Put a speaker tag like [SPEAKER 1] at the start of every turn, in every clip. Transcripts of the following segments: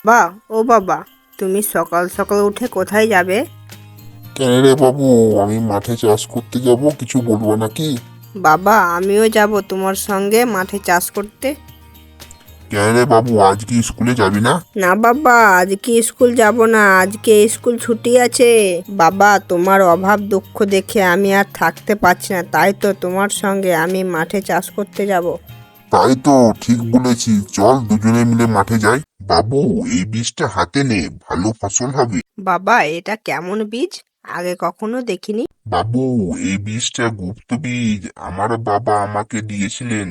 [SPEAKER 1] ও বাবা, তুমি সকাল সকাল উঠে কোথায় যাবে?
[SPEAKER 2] কেন রে বাবু, আমি মাঠে চাষ করতে যাব, কিছু বলবো নাকি?
[SPEAKER 1] বাবা, আমিও যাব তোমার সঙ্গে মাঠে চাষ করতে।
[SPEAKER 2] কেন রে বাবু, আজ কি স্কুলে যাবি না?
[SPEAKER 1] না বাবা, আজকে স্কুল যাব না, আজকে স্কুল ছুটি আছে। বাবা, তোমার অভাব দুঃখ দেখে আমি আর থাকতে পারছি না, তাই তো তোমার সঙ্গে আমি মাঠে চাষ করতে যাব।
[SPEAKER 2] তাই তো, ঠিক বলেছি, চল দুজনে মিলে মাঠে যাই। বাবু, এই বীজটা হাতে নে, ভালো ফসল হবে।
[SPEAKER 1] বাবা, এটা কেমন বীজ? আগে কখনো দেখিনি।
[SPEAKER 2] বাবু, এই বীজটা গুপ্ত বীজ, আমার বাবা আমাকে দিয়েছিলেন।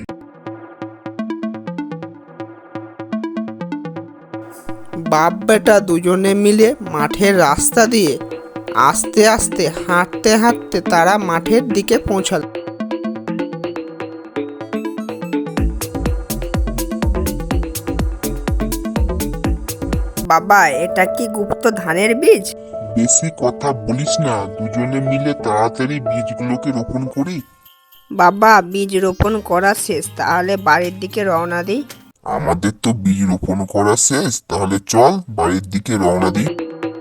[SPEAKER 3] বাপ বেটা দুজনে মিলে মাঠের রাস্তা দিয়ে আস্তে আস্তে হাঁটতে হাঁটতে তারা মাঠের দিকে পৌঁছাল।
[SPEAKER 1] বাবা, এটা কি গুপ্ত ধানের বীজ?
[SPEAKER 2] বেশি কথা বলিস না, দুজনে মিলে তাড়াতাড়ি বীজগুলোকে রোপণ করি।
[SPEAKER 1] বাবা, বীজ রোপণ করা শেষ, তাহলে বাড়ির দিকে রওনা দিই।
[SPEAKER 2] আমাদের তো বীজ রোপণ করা শেষ, তাহলে চল বাড়ির দিকে রওনা দিই।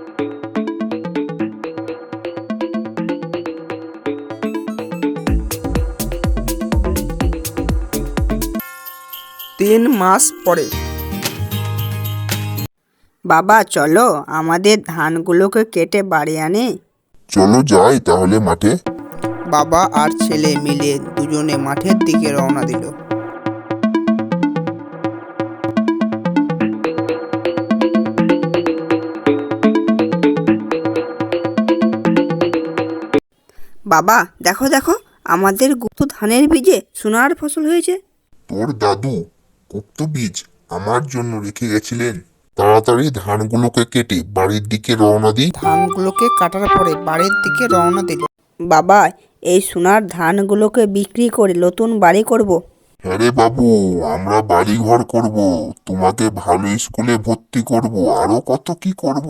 [SPEAKER 3] তিন মাস পরে
[SPEAKER 1] বাবা, চলো আমাদের ধানগুলোকে কেটে বাড়ি আনি।
[SPEAKER 2] চলো যাই তাহলে মাঠে।
[SPEAKER 3] বাবা আর ছেলে মিলে দুজনে মাঠের দিকে রওনা দিল।
[SPEAKER 1] বাবা, দেখো দেখো, আমাদের গুপ্ত ধানের বীজে সোনার ফসল হয়েছে।
[SPEAKER 2] তোর দাদু গুপ্ত বীজ আমার জন্য রেখে গেছিলেন। তাড়াতাড়ি ধানগুলোকে কেটে বাড়ির দিকে রওনা দিই।
[SPEAKER 3] ধানগুলোকে কাটার পরে বাড়ির দিকে রওনা দিল।
[SPEAKER 1] বাবা, এই সোনার ধানগুলোকে বিক্রি করে নতুন বাড়ি করব।
[SPEAKER 2] হ্যাঁ রে বাবু, আমরা বাড়ি ঘর করব, তোমাকে ভালো স্কুলে ভর্তি করব, আরো কত কি করব।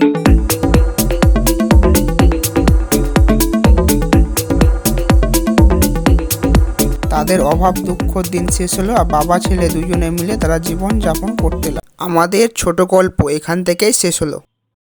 [SPEAKER 3] তাদের অভাব দুঃখ দিন শেষ হলো আর বাবা ছেলে দুজনে মিলে তারা জীবন যাপন করতে লাগলো। আমাদের ছোট গল্প এখান থেকেই শেষ হলো।